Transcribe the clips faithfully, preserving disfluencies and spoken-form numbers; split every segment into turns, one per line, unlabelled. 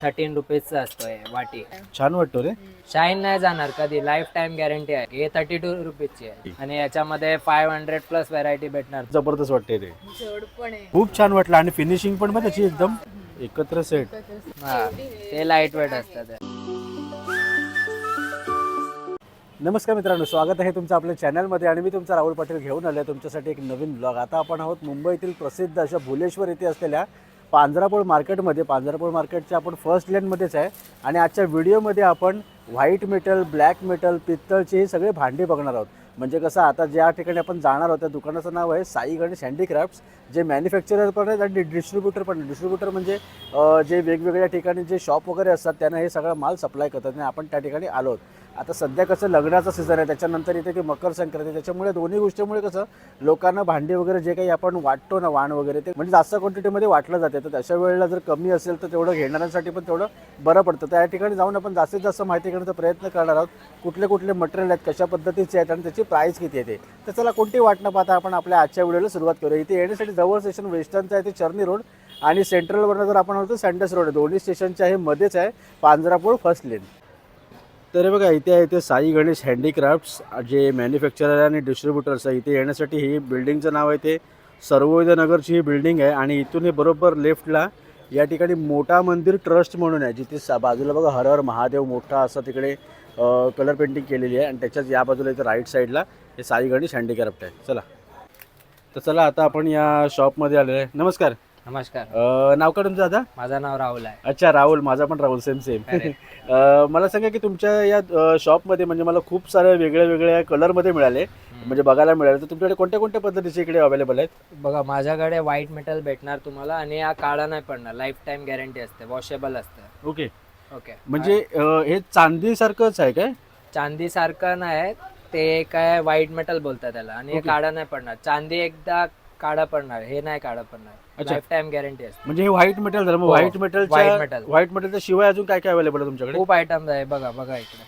Thirteen रुपीजचा असतो हे वाटी.
छान वाटतो रे.
शाईन नाही जाणार कधी, लाईफ टाइम गॅरंटी आहे. हे थर्टी टू रुपीजची आहे आणि याच्यामध्ये फाईव्ह हंड्रेड प्लस व्हरायटी भेटणार.
जबरदस्त वाटते ते,
जोड पण आहे.
खूप छान वाटलं आणि फिनिशिंग पण मग त्याची एकदम एकत्र सेट.
हा, ते लाईट वेट असतात.
नमस्कार मित्रांनो, स्वागत आहे तुमचं आपल्या चॅनलमध्ये आणि मी तुमचा राहुल पाटील घेऊन आलो आहे तुमच्यासाठी एक नवीन ब्लॉग. आता आपण आहोत मुंबईतील प्रसिद्ध अशा भुलेश्वर येथे असलेल्या पांजरापोळ मार्केटमध्ये. पांजरापोळ मार्केटच्या आपण फर्स्ट लेनमध्येच आहे आणि आजच्या व्हिडिओमध्ये आपण व्हाईट मेटल, ब्लॅक मेटल, पित्तळचे हे सगळे भांडी बघणार आहोत. म्हणजे कसं, आता ज्या ठिकाणी आपण जाणार आहोत त्या दुकानाचं नाव आहे साई गणेश हँडीक्राफ्ट्स, जे मॅन्युफॅक्चरर पण आहेत आणि डिस्ट्रीब्युटर पण. डिस्ट्रीब्युटर म्हणजे जे वेगवेगळ्या ठिकाणी जे शॉप वगैरे असतात त्यांना हे सगळं माल सप्लाय करतात आणि आपण त्या ठिकाणी आलो आहोत. आता सध्या कसं लग्नाचं सीझन आहे, त्याच्यानंतर इथे की मकर संक्रांती, त्याच्यामुळे दोन्ही गोष्टीमुळे कसं लोकांना भांडी वगैरे जे काही आपण वाटतो ना, वाण वगैरे, ते म्हणजे जास्त क्वांटिटीमध्ये वाटलं जाते. तर अशा वेळेला जर कमी असेल तर तेवढं घेणाऱ्यांसाठी पण तेवढं बरं पडतं. त्या ठिकाणी जाऊन आपण जास्तीत जास्त माहिती घेण्याचा प्रयत्न करणार आहोत. कुठले कुठले मटेरियल आहेत, कशा पद्धतीचे आहेत आणि त्याची प्राईस किती येते. तर चला कोणती वाट न पाहता आपण आपल्या आजच्या व्हिडिओला सुरुवात करूया. इथे येण्यासाठी जवळ स्टेशन वेस्टर्नचं आहे ते चर्नी रोड आणि सेंट्रलवरनं जर आपण होतो सँडस रोड, दोन्ही स्टेशनच्या हे मध्येच आहे पांजरापोळ फर्स्ट लेन. तर बघा, इथे आहे ते साई गणेश हँडीक्राफ्ट्स, जे मॅन्युफॅक्चरर आणि डिस्ट्रीब्युटर्स आहे. इथे येण्यासाठी ही बिल्डिंगचं नाव आहे ते सर्वोदय नगरची ही बिल्डिंग आहे आणि इथून हे बरोबर लेफ्टला या ठिकाणी मोठा मंदिर ट्रस्ट म्हणून आहे, जिथे सा बाजूला बघा हर हर महादेव मोठा असं तिकडे कलर पेंटिंग केलेली आहे आणि त्याच्याच या बाजूला इथे राईट साईडला हे साई गणेश हँडीक्राफ्ट आहे. चला तर चला आता आपण या शॉपमध्ये आलेलो आहे. नमस्कार.
नमस्कार,
नाव का तुमचं दादा?
माझं नाव राहुल आहे.
अच्छा, राहुल. माझा पण राहुल, सेम सेम. मला सांगा की तुमच्या या शॉपमध्ये म्हणजे मला खूप सारे वेगळ्या वेगळ्या कलरमध्ये मिळाले, म्हणजे बघायला मिळाले. तर तुमच्याकडे कोणत्या कोणत्या पद्धतीचे इकडे अवेलेबल आहेत?
बघा, माझ्याकडे व्हाईट मेटल भेटणार तुम्हाला आणि हा काळा नाही पडणार, लाईफ टाइम गॅरंटी असते, वॉशेबल असतं.
ओके
ओके,
म्हणजे हे चांदी सारखंच आहे काय?
चांदी सारखं नाही, ते काय व्हाईट मेटल बोलतात त्याला आणि हे
Okay.
काळा नाही पडणार. चांदी एकदा काळा पडणार, हे नाही काळा पडणार,
अच्छा.
लाईफ टाइम गॅरंटी असते.
म्हणजे हे व्हाईट मेटल झालं. मग
हो,
व्हाईट
white
मेटलच्या
metal.
व्हाईट मेटलच्या शिवाय अजून काय काय अवेलेबल आहे तुमच्याकडे?
खूप आयटम आहे. बघा बघा इकडे,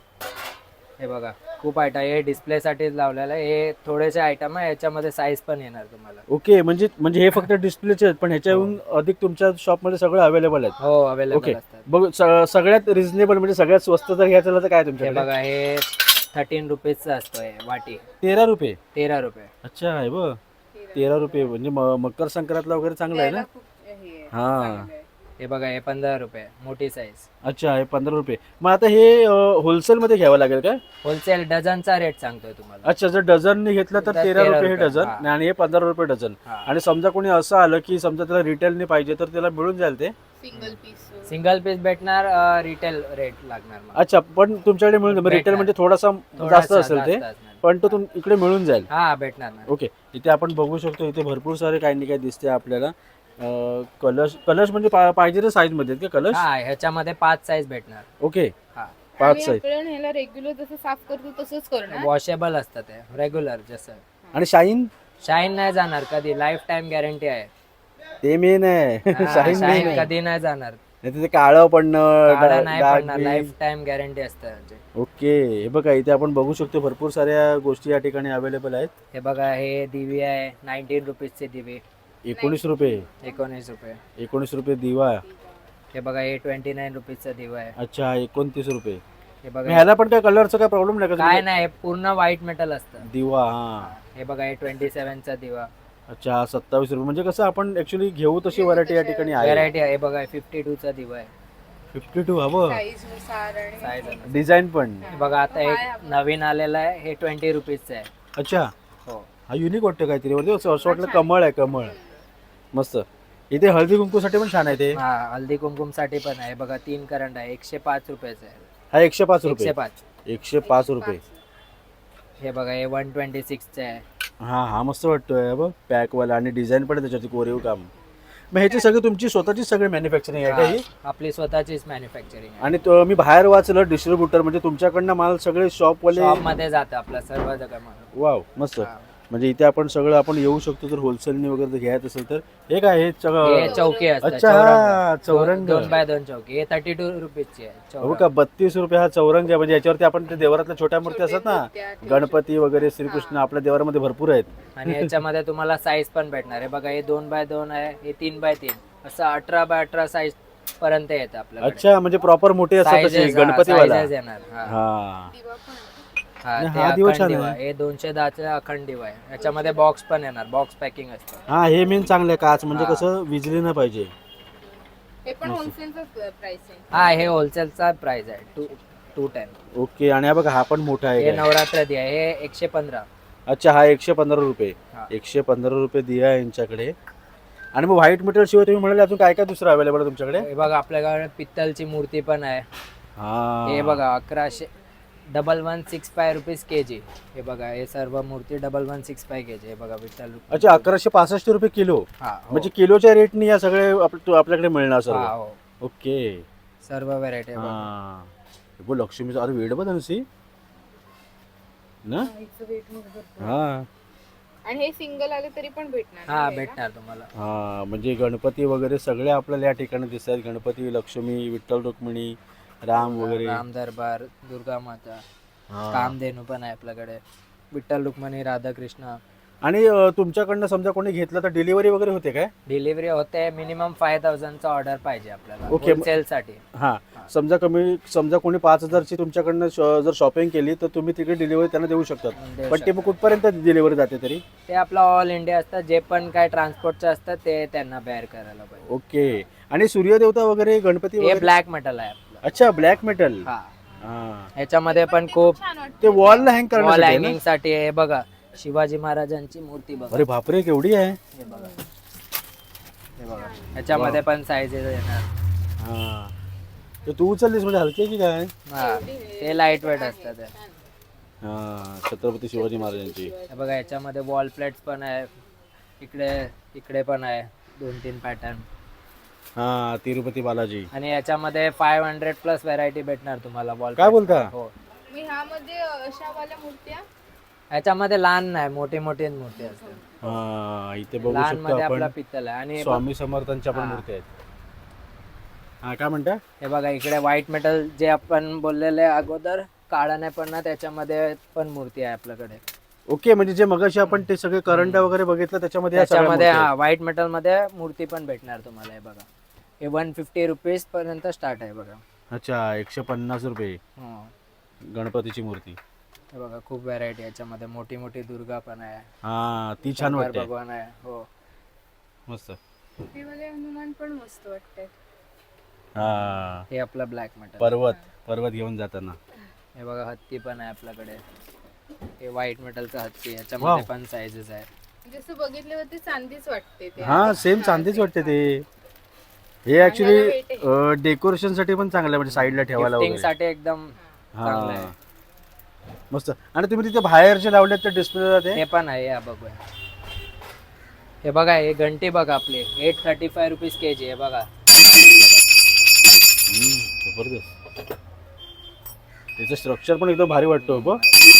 हे बघा खूप आयटम. हे डिस्प्ले साठी लावलेलं आहे. हे थोडेसे आयटम आहे, याच्यामध्ये साईज पण येणार तुम्हाला.
ओके, म्हणजे म्हणजे हे फक्त डिस्प्लेचे आहेत, पण ह्याच्याहून अधिक तुमच्या शॉपमध्ये सगळं अवेलेबल आहेत?
हो, अवेलेबल
ओके.
असतात.
बघ, स- सगळ्यात रिझनेबल म्हणजे सगळ्यात स्वस्त जर घ्यायचं तर काय
हे
तुमच्याकडे?
बघा, हे थर्टीन रुपीजचा असतो हे वाटी.
तेरा रुपये.
तेरा रुपये.
अच्छा आहे बघ, तेरा रुपये म्हणजे म- मकर संक्रांतला वगैरे चांगलं आहे ना?
खूप हे आहे,
हा.
चांगलं आहे.
हे बघा, हे पंधरा रुपये, मोठी साईज.
अच्छा, हे पंधरा रुपये. मग आता हे होलसेल मध्ये घ्यावं लागेल काय?
होलसेल डझनचा रेट सांगतोय तुम्हाला.
अच्छा, जर डझनने घेतलं तर
तर
तेरा
तेरा
रुपये हे
रुपये,
डझन
हा.
आणि हे पंधरा रुपये डझन.
हा.
आणि समजा कोणी असं आलं की समजा त्याला रिटेलने पाहिजे तर त्याला मिळून जाईल ते?
सिंगल पीस
सिंगल पीस भेटणार, रिटेल रेट लागणार मग.
अच्छा, पण तुमच्याकडे मिळून जाईल. रिटेल
भेटणार.
म्हणजे थोडासा
थोडासा
जास्त असेल ते,
जास्त असणार.
पण तो तुम इकडे मिळून जाईल.
हा, भेटणार ना.
ओके, इथे आपण बघू शकतो, इथे भरपूर सारे काही नाही काही दिसते आपल्याला. कलश कलश म्हणजे पा- पाहिजे त्या साईज मध्ये आहेत का कलश?
हा, ह्याच्यामध्ये पाच साईज भेटणार.
ओके,
हा,
पाच
आणि
साईज.
आपण ह्याला रेग्युलर जसं साफ करतो तसंच करणार.
वॉशेबल असतात ते, रेग्युलर जसं.
आणि शाईन
शाईन नाही जाणार कधी, लाईफ टाइम गॅरंटी आहे.
ते मेन आहे.
हा,
शाईन
शाईन
मेन
कधी नाही जाणार,
आहे. ते काळं पडणं,
काळा
डा-
नाही
डाग
पडणार,
बी.
लाईफ टाइम गॅरंटी असते म्हणजे.
ओके, हे बघा इथे आपण बघू शकतो भरपूर साऱ्या गोष्टी या ठिकाणी अवेलेबल आहेत.
हे बघा, हे दिवी आहे, नाईन्टीन रुपीजचे दिवे,
एकोणीस रुपये.
एकोणीस रुपये.
एकोणीस रुपये दिवा.
हे बघा, हे ट्वेंटी नाईन रुपीजचा दिवा आहे.
अच्छा, एकोणतीस रुपये.
हे
मग
बघा,
ह्याला पण काय कलरचा काय प्रॉब्लेम नाही का?
काय नाही, पूर्ण व्हाईट मेटल असतं.
दिवा. हा.
हे बघा, हे ट्वेंटी सेव्हनचा दिवा,
अच्छा, सत्तावीस रुपये. म्हणजे कसं आपण ऍक्च्युली घेऊ तशी व्हरायटी या ठिकाणी आहे.
व्हरायटी आहे. हे बघा, फिफ्टी टू चा दिवा आहे,
फिफ्टी टू हवं.
साईज नुसार आणि
साईज.
डिझाईन पण.
हे बघा, आता एक नवीन आलेला आहे, हे ट्वेंटी रुपीजचं आहे.
अच्छा,
हो,
हा युनिक वाटतं काहीतरी. म्हणजे असं असं वाटलं कमळ आहे, कमळ. मस्त. इथे हळदी कुंकूसाठी पण छान आहे ते.
हा, हल्दी कुंकुम साठी पण आहे. बघा, तीन करंट आहे, एकशे पाच रुपयाचा आहे.
हा एकशे पाच
एकशे
रुपये.
पाच.
एकशे पाच रुपये.
हे बघा, हे वन ट्वेंटी सिक्सचं आहे.
हा हा मस्त वाटतोय बघ, पॅकवाला आणि डिझाईन पण आहे त्याच्यावरती, कोरीव काम. मग ह्याची सगळी तुमची स्वतःची सगळी मॅन्युफॅक्चरिंग आहे का ही?
हा, आपली स्वतःचीच मॅन्युफॅक्चरिंग आहे.
आणि तो मी बाहेर वाचलं डिस्ट्रीब्युटर म्हणजे तुमच्याकडनं माल सगळे शॉपवाले.
शॉप मध्ये जातं आपला सर्व जगा.
वाव, मस्त. म्हणजे इथे आपण सगळं आपण येऊ शकतो जर होलसेलने वगैरे जर घ्यायचं असेल तर. हे काय हे
हे
सगळं?
चौकी असतं,
अच्छा,
चौरंग.
चौरंग.
दोन बाय दोन चौकी, हे थर्टी टू रुपीजची आहे.
हो
चौरंग.
का, बत्तीस रुपये हा चौरंग आहे. म्हणजे याच्यावरती आपण ते देवरातल्या छोट्या मूर्ती असतात ना, गणपती वगैरे, श्रीकृष्ण, आपल्या देवरामध्ये भरपूर आहेत.
आणि याच्यामध्ये तुम्हाला साईज पण भेटणार आहे. बघा, हे दोन बाय दोन आहे, हे तीन बाय तीन, असं अठरा बाय अठरा साईज पर्यंत येतं आपल्याकडे.
अच्छा, म्हणजे प्रॉपर मोठे असतात तसे
Sizes, हा,
गणपतीवाला.
sizes येणार हा.
हा
दिवा पण आहे.
हा,
आणि
ते
हा दिवा
अखंड
छान
दिवा
आहे.
हे दोनशे दहाचा अखंड दिवा आहे. याच्यामध्ये बॉक्स पण येणार, बॉक्स पॅकिंग असतं.
हा, हे मेन चांगलं आहे काच, म्हणजे
हा.
कसं विजली नाही पाहिजे.
हे पण होलसेलचाच प्राइस आहे.
हा, हे होलसेलचा प्राइस आहे टू टू टेन.
ओके. आणि हा बघा, हा पण मोठा आहे
हे
काय?
नवरात्र दिवा हे एकशे पंधरा.
अच्छा, हा एकशे पंधरा रुपये.
हा.
एकशे पंधरा रुपये दिया आहे यांच्याकडे. आणि मग व्हाईट मटेरियल शिवाय तुम्ही म्हणाले अजून काय काय दुसरं अवेलेबल आहे तुमच्याकडे?
हे बघा आपल्याकडे पित्तलची मूर्ती पण आहे.
हा,
हे बघा अकराशे double one six five rupees K G. हे बघा हे सर्व मूर्ती double one six five K G. हे बघा विठ्ठल.
अच्छा, अकराशे पासष्ट रुपये किलो.
हा हो.
म्हणजे किलोच्या रेटनी या सगळे आप- आपल्याकडे मिळणार
हा
सर्व.
हो
ओके.
सर्व व्हरायटी.
हा, हे बघ लक्ष्मीचं अरे वेड बघ सी ना.
हिचं weight मध्ये भरपूर.
हा
आणि हे सिंगल आले तरी पण भेटणार
हा
ना घ्यायला?
भेटणार तुम्हाला.
हा, म्हणजे गणपती वगैरे सगळे आपल्याला या ठिकाणी दिसतात. गणपती, लक्ष्मी, विठ्ठल रुक्मिणी, राम वगैरे.
राम दरबार, दुर्गा माता,
हा.
कामधेनू पण आहे आपल्याकडे. विठ्ठल रुक्मिणी, राधाकृष्ण.
आणि अ, तुमच्याकडनं समजा कोणी घेतलं तर डिलिव्हरी वगैरे होते काय?
डिलिव्हरी होते. मिनिमम फाय थाउजंडचा ऑर्डर पाहिजे आपल्याला
Okay.
होलसेल साठी.
हा, समजा कमी समजा कोणी पाच हजारची तुमच्याकडनं श- जर शॉपिंग केली तर तुम्ही तिकडे डिलिव्हरी त्यांना देऊ शकतात.
देऊ
पण ते मग कुठपर्यंत डिलिव्हरी जाते तरी?
ते आपलं ऑल इंडिया असतं. जे पण काय ट्रान्सपोर्टचं असतं ते त्यांना बेअर करायला पाहिजे.
ओके. आणि सूर्यदेवता वगैरे, गणपती
हे
वगैरे?
ब्लॅक मेटल आहे आपलं.
अच्छा, ब्लॅक मेटल.
हा,
हा,
ह्याच्यामध्ये पण खूप
छान वाटतं.
ते वॉलला हँग
वॉल
करण्यासाठी आहे ना?
हँगिंग साठी. हे बघा शिवाजी महाराजांची मूर्ती बघा.
अरे बापरे, केवढी आहे.
हे बघा हे बघा ह्याच्यामध्ये पण साईजेस येणार.
हा, ते तू उचललीस म्हणजे हलके की काय?
हा, ते लाईट वेट असतात. हे.
हा, छत्रपती शिवाजी महाराजांची.
हे बघा ह्याच्यामध्ये वॉल प्लेट्स पण आहे. इकडे इकडे पण आहे दोन तीन पॅटर्न.
हा, तिरुपती बालाजी.
आणि याच्यामध्ये फाईव्ह हंड्रेड प्लस व्हरायटी भेटणार तुम्हाला वॉल.
काय बोलता?
हो.
मी ह्यामध्ये अशा वाल्या मूर्त्या
ह्याच्यामध्ये लहान नाही, मोठी मोठी मूर्ती असते.
हा, इथे बघू
लहान
शकतो
मध्ये आपला
आपण
पित्तल आहे. आणि
स्वामी समर्थांच्या पण
हा.
मूर्ती आहेत. हा, काय म्हणता?
हे बघा इकडे व्हाईट मेटल जे आपण बोललेले अगोदर काळा नाही पडणार त्याच्यामध्ये पण मूर्ती आहे आपल्याकडे.
ओके, म्हणजे जे मगाशी आपण ते सगळे करंट वगैरे बघितलं त्याच्यामध्ये या सगळ्या
त्याच्यामध्ये
मूर्ती
हा व्हाईट मेटल मध्ये मूर्ती पण भेटणार तुम्हाला. हे बघा हे वन फिफ्टी रुपीज पर्यंत स्टार्ट आहे बघा.
आहेत. अच्छा, एकशे पन्नास रुपये
हो.
गणपतीची मूर्ती.
हे बघा खूप व्हरायटी याच्यामध्ये. मोठी मोठी दुर्गा पण आहे.
हा, ती छान
शंकर
वाटते.
भगवान आहे. हो
मस्त.
हे वाले हनुमान पण मस्त वाटतात.
हा,
हे आपलं ब्लॅक मेटल.
पर्वत पर्वत घेऊन जाताना.
हे बघा हत्ती पण आहे आपल्याकडे. हे व्हाईट मेटलचं हत्ती. याच्यामध्ये
Wow.
पण साईजेस आहे.
जसं बघितल्यावरती चांदीच वाटते ते.
हा, सेम चांदीच वाटते ते. हे ऍक्च्युली डेकोरेशन साठी पण चांगलं आहे, म्हणजे साईडला ठेवायला
गिफ्टिंग
वगैरे.
साठी एकदम चांगलं आहे.
हा, मस्त. आणि तुम्ही तिथे बाहेर जे लावले ते डिस्प्ले ते
हे पण आहे. या बघूया. हे बघा हे घंटी बघा आपली eight thirty five rupees K G. हे बघा
हम्म, जबरदस्त. त्याचं स्ट्रक्चर पण एकदम भारी वाटतो बघ.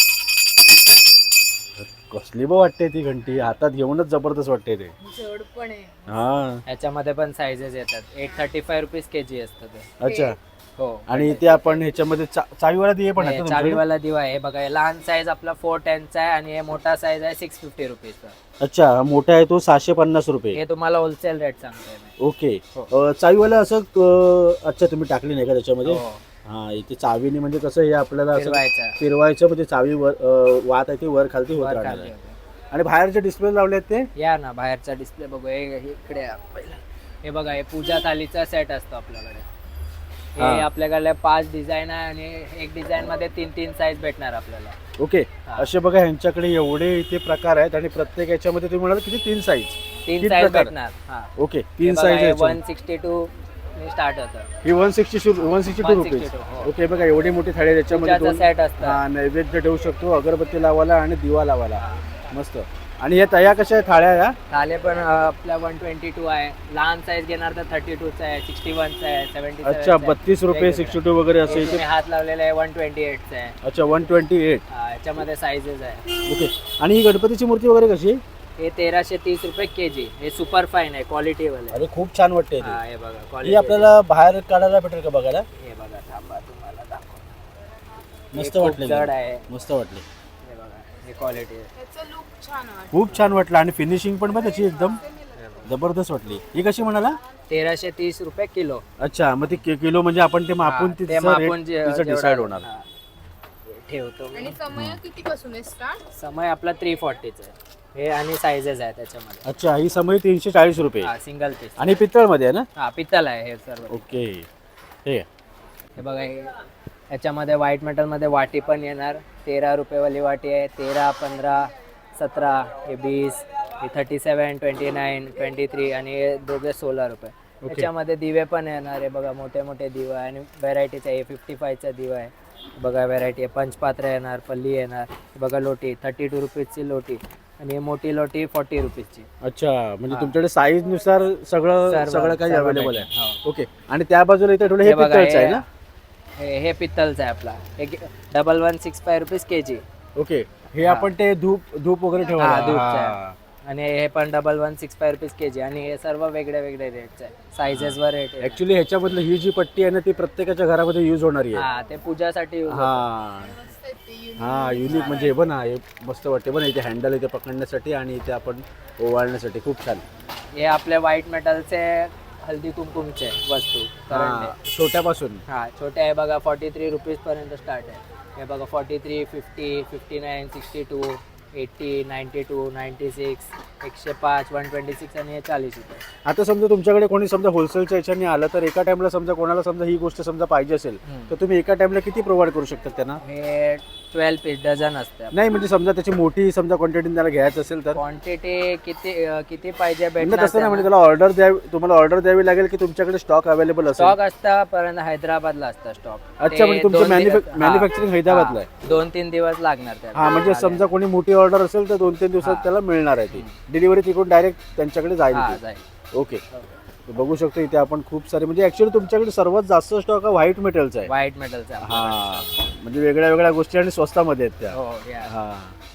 कसली बघ वाटते ती घंटी, हातात घेऊनच जबरदस्त वाटते ते.
जड पण आहे.
हा,
ह्याच्यामध्ये पण साईजेस येतात. Eight thirty five rupees K G असतं ते.
अच्छा.
हो.
आणि ते आपण ह्याच्यामध्ये चा- चावीवाला दिये पण आहेत
हे
ना तुमच्याकडे?
चावीवाला दिवा आहे. हे बघा हे लहान साईज आपला फोर टेनचा आहे आणि हे मोठा साईज आहे सिक्स फिफ्टी रुपीजचा.
अच्छा, हा मोठा आहे तो सहाशे पन्नास रुपये.
हे तुम्हाला होलसेल रेट सांगतोय मी.
ओके.
हो.
अ, चावीवाला असं अ, अच्छा तुम्ही टाकली नाही का त्याच्यामध्ये?
हो.
हा, इथे चावीने म्हणजे कसं हे आपल्याला असं
फिरवायचा.
फिरवायचं, म्हणजे चावी वर अ, वात आहे ती वर खालती होत
वर
राहणार
खाली
आहे.
होतं.
आणि बाहेरचे डिस्प्ले लावले आहेत ते?
या ना बाहेरचा डिस्प्ले बघू. हे हे इकडे या पहिला. हे बघा हे पूजा थालीचा सेट असतो आपल्याकडे. हे
हा.
आपल्याकडे पाच डिझाईन आहे आणि एक डिझाईन मध्ये तीन तीन साईज भेटणार आपल्याला.
ओके.
हा.
असे बघा ह्यांच्याकडे एवढे इथे प्रकार आहेत आणि प्रत्येक याच्यामध्ये तुम्ही म्हणाल किती तीन साईज?
तीन
तीन
साईज
प्रकार.
भेटणार. हा
ओके, तीन size.
One sixty two start होतं.
ही one sixty one sixty two rupees.
हो.
ओके, बघा एवढी मोठी थाळी आहे, त्याच्यामध्ये
पूजाचा
दोन
सेट असतं.
हा, नैवेद्य ठेवू शकतो, अगरबत्ती लावायला आणि दिवा लावायला. मस्त. आणि हे तया कशा आहे थाळ्या या?
थाले पण अं, आपल्या वन ट्वेंटी टू आहे. लहान साईज घेणार तर थर्टी टूचा आहे, सिक्स्टी वनचा आहे, सेव्हन्टी.
अच्छा, बत्तीस रुपये सिक्स्टी टू वगैरे असं इथे.
हात लावलेला आहे वन ट्वेंटी एटचा आहे.
अच्छा, वन ट्वेंटी एट.
हा, याच्यामध्ये साईजेस आहे.
ओके. आणि ही गणपतीची मूर्ती वगैरे कशी?
हे तेराशे तीस रुपये के जी. हे सुपर फाईन आहे, क्वालिटी वाले.
अरे खूप छान वाटते
हा, हे बघा
ही.
क्वालिटी.
आपल्याला बाहेर काढायला भेटेल का बघायला?
हे बघा थांबा तुम्हाला दाखव.
मस्त
हे खूप
वाटले.
जड आहे.
मस्त वाटले.
हे बघा हे क्वालिटी आहे.
त्याचं लुक छान वाटतं.
खूप छान वाटलं आणि फिनिशिंग पण बघ त्याची एकदम जबरदस्त वाटली. ही कशी म्हणाला?
तेराशे तीस रुपये किलो.
अच्छा, मग ती कि- किलो म्हणजे आपण ते मापून
हा, ते
तिचं
मापून
rate
जे-
तिचं
जेवढा-
डिसाईड होणार.
हा. ठेवतो मी.
आणि समय किती पासून आहे स्टार्ट?
समय आपला थ्री फोर्टीचा आहे हे आणि साईजेस आहे त्याच्यामध्ये.
अच्छा, ही समय तीनशे चाळीस रुपये
हा सिंगल पीस.
आणि पितळमध्ये आहे ना?
हा पित्तल आहे हे सर्व.
ओके, हे
हे बघा हे याच्यामध्ये व्हाईट मेटलमध्ये वाटी पण येणार. तेरा रुपयेवाली वाटी आहे. तेरा, पंधरा, सतरा, हे वीस, हे thirty seven, twenty nine, twenty three आणि हे दोघे सोळा रुपये. याच्यामध्ये दिवे पण येणार आहे बघा, मोठे मोठे दिवे आहे आणि व्हेरायटीचा आहे. फिफ्टी फायचा दिवा आहे बघा, व्हेरायटी आहे. पंचपात्र येणार, पल्ली येणार. हे बघा लोटी थर्टी टू रुपीजची लोटी आणि मोठी लोटी फोर्टी रुपीजची.
अच्छा, म्हणजे
हा.
तुमच्याकडे साईज नुसार सगळं
सर्व-
सगळं काही
सर्व
अवेलेबल
भेटेल.
आहे.
हो.
ओके, आणि त्या बाजूला इथे थोडं हे
हे बघा,
पितळचं आहे
हे-
ना?
हे हे पित्तलचं आहे आपला. हे double one six five rupees K G.
Okay, हे
हा.
आपण ते धूप धूप वगैरे
हा,
ठेवायला.
धूपचं
हा.
आहे. आणि हे पण double one six five rupees K G आणि हे सर्व वेगळे वेगळे रेटचे आहे. सायझेसवर रेट आहे.
ऍक्च्युली ह्याच्यामधलं ही जी पट्टी आहे ना ती प्रत्येकाच्या घरामध्ये यूज होणारी आहे.
हा ते पूजासाठी use होतं.
हा
मस्त आहे ते unique.
हा युनिक म्हणजे हे पण हा हे मस्त वाटते पण इथे हँडल इथे पकडण्यासाठी आणि इथे आपण ओवाळण्यासाठी खूप छान.
हे आपले व्हाईट मेटलचे हल्दी कुमकुमचे वस्तू करंट
हा,
आहे.
छोट्यापासून.
हा छोटे आहे बघा, फॉर्टी थ्री रुपीज पर्यंत स्टार्ट आहे. हे बघा forty three, fifty, fifty nine, sixty two, eighty, ninety two, ninety six, एकशे पाच, वन ट्वेंटी सिक्स आणि हे चाळीस रुपये.
आता समजा तुमच्याकडे कोणी समजा होलसेलच्या याच्याने आलं तर एका टाइमला समजा कोणाला समजा ही गोष्ट समजा पाहिजे असेल
हम्म.
तर तुम्ही एका टाइमला किती प्रोव्हाइड करू शकतात त्यांना?
हे ट्वेल्व पीस डझन असते.
नाही म्हणजे समजा त्याची मोठी समजा क्वांटिटी त्याला घ्यायचं असेल तर
क्वांटिटी किती अं, किती पाहिजे
म्हणजे
भेटणार
तसं नाही म्हणजे त्याला ऑर्डर द्यावी तुम्हाला ऑर्डर द्यावी लागेल की तुमच्याकडे स्टॉक अवेलेबल असेल?
स्टॉक असता पर्यंत हैदराबादला असतं स्टॉक.
अच्छा, म्हणजे तुमचं मॅन्युफॅक् मॅन्युफॅक्चरिंग हैदराबादला आहे.
दोन तीन दिवस लागणार त्याला.
हा म्हणजे समजा कोणी मोठी ऑर्डर असेल तर दोन तीन दिवसात
हा.
त्याला मिळणार आहे ती डिलिव्हरी तिकडून डायरेक्ट त्यांच्याकडे जाईल
हा
ती.
जाईल.
ओके, बघू शकतो इथे आपण खूप सारे म्हणजे ऍक्च्युअली तुमच्याकडे सर्वात जास्त स्टॉक हा व्हाईट मेटलचा आहे.
व्हाईट मेटलचा.
हा म्हणजे वेगळ्या वेगळ्या गोष्टी आणि स्वस्तामध्ये आहेत त्या.
हो या.
हा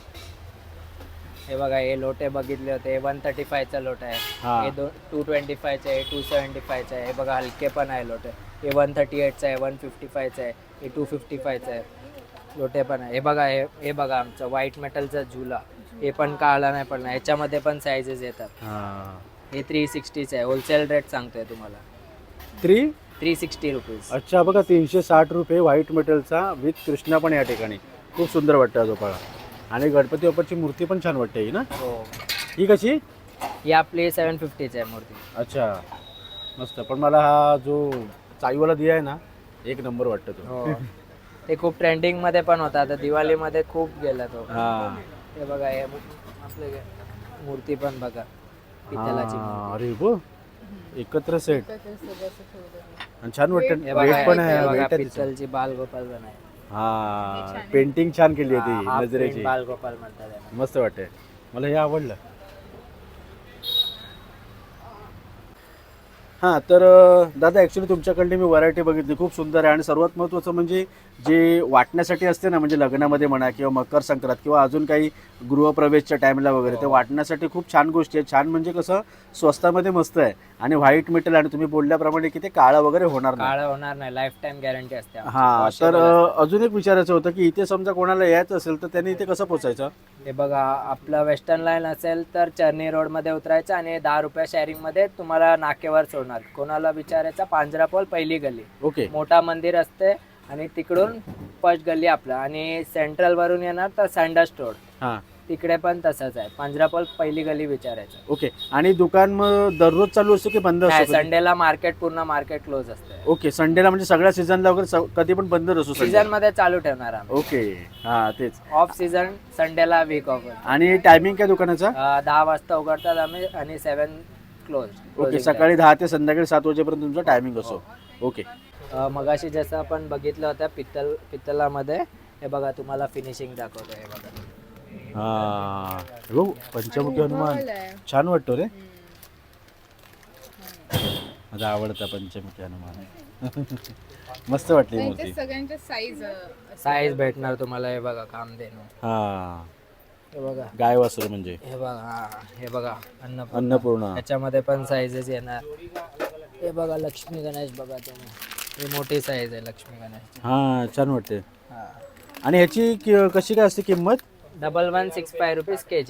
हे बघा हे लोटे बघितले होते. वन थर्टी फायचा लोट आहे.
हा.
हे दोन टू ट्वेंटी फायचा आहे, टू सेवन्टी फायचा आहे. हे बघा हलके पण आहे लोटे. हे वन थर्टी एटचा आहे, वन फिफ्टी फायचा आहे, हे टू फिफ्टी फायचा आहे. लोटे पण आहे. हे बघा हे हे बघा आमचं व्हाईट मेटलचा झुला. हे पण काळा नाही पडणार. याच्यामध्ये पण साईजेस येतात.
हा
हे थ्री सिक्स्टीचं आहे. होलसेल रेट सांगतोय तुम्हाला,
थ्री
थ्री सिक्स्टी रुपीज.
अच्छा बघा तीनशे साठ रुपये व्हाईट मेटलचा विथ कृष्णा पण या ठिकाणी खूप सुंदर वाटतं झोपाळा. आणि गणपती बाप्पाची मूर्ती पण छान वाटते ही ना?
हो
ही कशी?
ही आपली सेवन फिफ्टीची आहे मूर्ती.
अच्छा मस्त. पण मला हा जो चाईवाला दिया आहे ना एक नंबर वाटतं तो.
हो ते खूप ट्रेंडिंग मध्ये पण होता. आता दिवाळीमध्ये खूप गेला तो.
हा
हे बघा हे मू- आपले मूर्ती पण बघा पितलाची
हा,
मूर्ती.
अरे बो एकत्र सेट
तर ते सगळं असं ठेवलं.
आणि छान वाटतं.
हे बघा
वेट पण आहे
हे बघा
weight आहे तिचं.
पितलची बालगोपाल पण आहे.
हा पेंटिंग छान केली आहे ती
हा,
नजरेची.
print बालगोपाल म्हणतात याला.
मस्त वाटते मला हे आवडलं. हां तर अं, दादा ॲक्च्युली तुमच्याकडली मी व्हरायटी बघितली खूप सुंदर आहे आणि सर्वात महत्त्वाचं म्हणजे जे वाटण्यासाठी असते ना म्हणजे लग्नामध्ये म्हणा किंवा मकर संक्रांत किंवा अजून काही गृहप्रवेशच्या टाईमला वगैरे ते वाटण्यासाठी खूप छान गोष्टी आहेत. छान म्हणजे कसं स्वस्तामध्ये मस्त आहे आणि व्हाईट मेटल आणि तुम्ही बोलल्याप्रमाणे की ते काळं वगैरे होणार नाही.
काळं होणार नाही. लाईफ टाइम गॅरंटी असते आमची.
हां तर
Washable
अं,
असते.
अजून एक विचारायचं होतं की इथे समजा कोणाला यायचं असेल तर त्यांनी इथे कसं पोचायचं?
हे बघा आपलं वेस्टर्न लाईन असेल तर चर्नी रोड मध्ये उतरायचं आणि दहा रुपया शेअरिंग मध्ये तुम्हाला नाकेवर सोडणार. कोणाला विचारायचं पांजरापोल पहिली गल्ली,
ओके
मोठा मंदिर असते आणि तिकडून फर्स्ट गल्ली आपलं. आणि सेंट्रल वरून येणार तर सँडस रोड
हां
तिकडे पण तसंच आहे. पांजरापोल पहिली गल्ली विचारायचं.
ओके. आणि दुकान मग दररोज चालू असतो की बंद
नाही
असतो?
संडेला मार्केट पूर्ण मार्केट क्लोज असते.
ओके संडेला म्हणजे सगळ्या सीझनला वगैरे स- कधी पण बंद असतो
सीझन
Sunday?
मध्ये चालू ठेवणार आम्ही.
ओके हां तेच.
ऑफ सीझन संडेला वीक ऑफ.
आणि टायमिंग काय दुकानाचा?
दहा वाजता उघडतात आम्ही आणि सेवन क्लोज.
ओके सकाळी दहा ते संध्याकाळी सात वाजेपर्यंत तुमचा टायमिंग असतो. ओके
मगाशी जसं आपण बघितलं होतं पित्तल पित्तलामध्ये हे बघा तुम्हाला फिनिशिंग दाखवतो. हे बघा
हां हो पंचमुखी हनुमान
गोल आहे.
छान वाटतो रे. माझा आवडता पंचमुखी हनुमान मस्त वाटली
त्यांच्या
मूर्ती.
सगळ्यांच्या साईज
साईज भेटणार तुम्हाला. हे बघा काम देणं.
हां
हे बघा
गाय वासरू म्हणजे
हे बघा हा हे बघा अन्नपूर्णा.
अन्नपूर्णा.
त्याच्यामध्ये पण साईजेस येणार. हे बघा लक्ष्मी गणेश बघा तुम्ही. ही मोठी साईज आहे लक्ष्मी गणेशची.
हां छान वाटते.
हा
आणि ह्याची कि- कशी काय असते किंमत?
Double one six five rupees K G.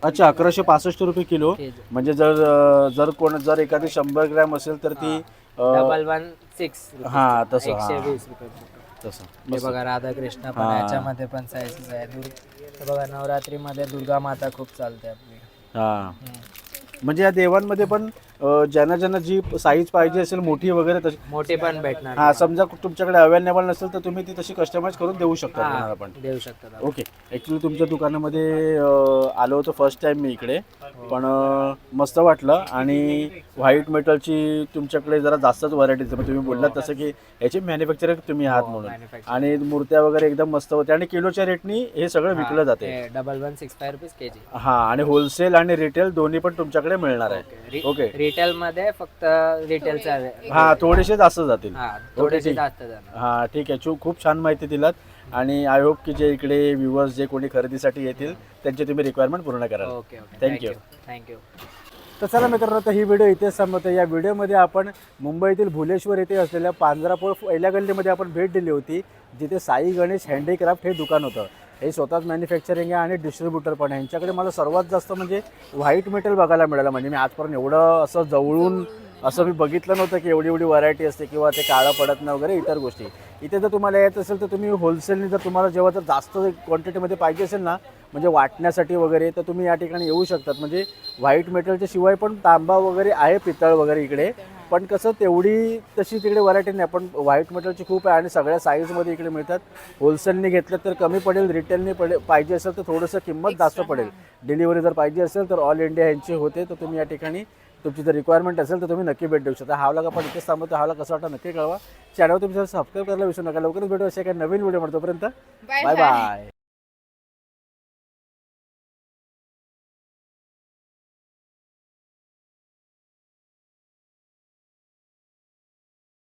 अच्छा अकराशे पासष्ट रुपये किलो
के जी
म्हणजे जर अं, जर कोण जर एखादी शंभर ग्रॅम असेल तर ती अं,
डबल वन सिक्स
हा तसं
एकशे
हा
वीस रुपये फुट.
तसं
हे
मस्त.
बघा राधाकृष्ण पण
हा.
याच्यामध्ये पण साईजेस आहे दुर् हे बघा नवरात्रीमध्ये दुर्गा माता खूप चालते आपली.
हा
हम्म.
म्हणजे या देवांमध्ये पण अं, ज्यांना ज्यांना जी साईज पाहिजे असेल मोठी वगैरे तशी
मोठी पण भेटणार.
हा समजा तुमच्याकडे अवेलेबल नसेल तर तुम्ही ती तशी कस्टमाइज करून देऊ शकता
हा,
कोणाला पण.
देऊ शकतात आपण.
ओके ॲक्च्युली तुमच्या दुकानामध्ये अं, आलो होतो फर्स्ट टाइम मी इकडे पण अं, मस्त वाटलं आणि व्हाईट मेटलची तुमच्याकडे जरा जास्तच व्हरायटीज तुम्ही बोललात तसं की याचे मॅन्युफॅक्चरर तुम्ही आहात म्हणून
Manufacturer.
आणि मूर्त्या वगैरे एकदम मस्त होत्या आणि किलोच्या रेटनी हे सगळं विकलं जाते.
Double one six five rupees K G.
हा आणि होलसेल आणि रिटेल दोन्ही पण तुमच्याकडे मिळणार आहे. ओके
रिटेल मध्ये फक्त रिटेलचा
हा थोडेसे जास्त जातील.
हा थोडेसे
ठीक.
जास्त जाणार.
हा ठीक आहे चू खूप छान माहिती दिलात आणि आय होप की जे इकडे व्ह्युअर्स जे कोणी खरेदीसाठी येतील त्यांची तुम्ही रिक्वायरमेंट पूर्ण कराल.
Okay okay
Thank you.
Thank you.
तर चला मित्रांनो तर ही व्हिडिओ इथेच संपवतो. या व्हिडिओमध्ये आपण मुंबईतील भुलेश्वर येथे असलेल्या पांजरापोळ पहिल्या गल्लीमध्ये आपण भेट दिली होती जिथे साई गणेश हँडीक्राफ्ट हे दुकान होतं. हे स्वतःच मॅन्युफॅक्चरिंग आहे आणि डिस्ट्रीब्युटर पण आहे. यांच्याकडे मला सर्वात जास्त म्हणजे व्हाईट मेटल बघायला मिळालं. म्हणजे मी आजपर्यंत एवढं असं जवळून असं मी बघितलं नव्हतं की एवढी एवढी व्हरायटी असते किंवा ते काळं पडत नाही वगैरे इतर गोष्टी. इथे जर तुम्हाला येत असेल तर तुम्ही होलसेलनी जर तुम्हाला जेव्हा जर जास्त क्वांटिटीमध्ये पाहिजे असेल ना म्हणजे वाटण्यासाठी वगैरे तर तुम्ही या ठिकाणी येऊ शकतात. म्हणजे व्हाईट मेटलच्या शिवाय पण तांबा वगैरे आहे पितळ वगैरे इकडे पण कसं तेवढी तशी तिकडे व्हरायटी नाही पण व्हाईट मेटलची खूप आहे आणि सगळ्या साईजमध्ये इकडे मिळतात. होलसेलने घेतलं तर कमी पडेल रिटेलने पडे पाहिजे असेल तर थोडंसं किंमत जास्त पडेल. डिलिव्हरी जर पाहिजे असेल तर ऑल इंडिया यांची होते तर तुम्ही या ठिकाणी तुमची जर रिक्वायरमेंट असेल तर तुम्ही नक्की भेट देऊ शकता. हा व्लॉग आपण इथेच थांबवतो. हा व्लॉग कसा वाटतं नक्की कळवा. चॅनल तुमच्या सबस्क्राईब करायला विसरू नका. लवकरच भेटू अशा काही नवीन व्हिडिओ तोपर्यंत
बाय
बाय बाय.